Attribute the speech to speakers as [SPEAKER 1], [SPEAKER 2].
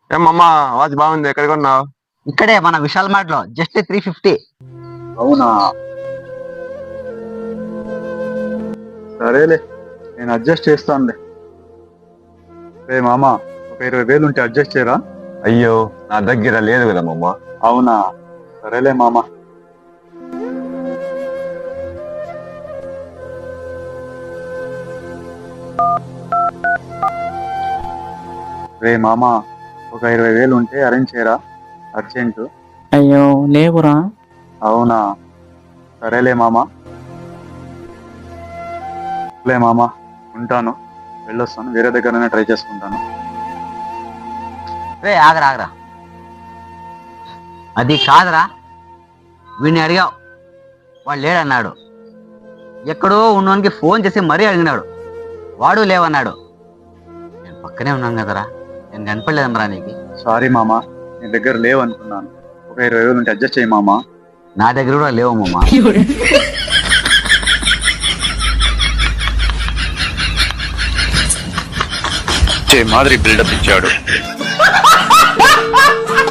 [SPEAKER 1] ఏమమ్మా వాచ్ బాగుంది, ఎక్కడ కొన్నావు?
[SPEAKER 2] ఇక్కడే మన విశాల్ మార్ట్ లో జస్ట్ 350.
[SPEAKER 3] అవునా, సరేలే, నేను అడ్జస్ట్ చేస్తానులే. రే మామ, ఒక 20,000 ఉంటే అడ్జస్ట్ చేయరా?
[SPEAKER 1] అయ్యో, నా దగ్గర లేదు కదా మమ్మ.
[SPEAKER 3] అవునా, సరేలే మామ. రే మామ, ఒక 20,000 ఉంటే అరేంజ్ చేయరా, అర్జెంటు.
[SPEAKER 4] అయ్యో లేవురా.
[SPEAKER 3] అవునా, సరేలే మామ. లే మామ, ఉంటాను, వెళ్ళొస్తాను, వేరే దగ్గరనే ట్రై చేసుకుంటాను.
[SPEAKER 2] రే ఆగరా ఆగరా, అది కాదురా. వీడిని అడిగావు, వాడు లేడన్నాడు. ఎక్కడో ఉన్నోనికి ఫోన్ చేసి మరీ అడిగినాడు, వాడు లేవన్నాడు. నేను పక్కనే ఉన్నాను కదరా, నేను కనపడలేదమ్మరా నీకు.
[SPEAKER 3] సారీ మామ, నీ దగ్గర లేవు అనుకున్నాను. ఒక 20,000 ఉంటే అడ్జస్ట్ చేయి మామ.
[SPEAKER 2] నా దగ్గర కూడా లేవు మామ.
[SPEAKER 3] మాదిరి బిల్డప్ ఇచ్చాడు.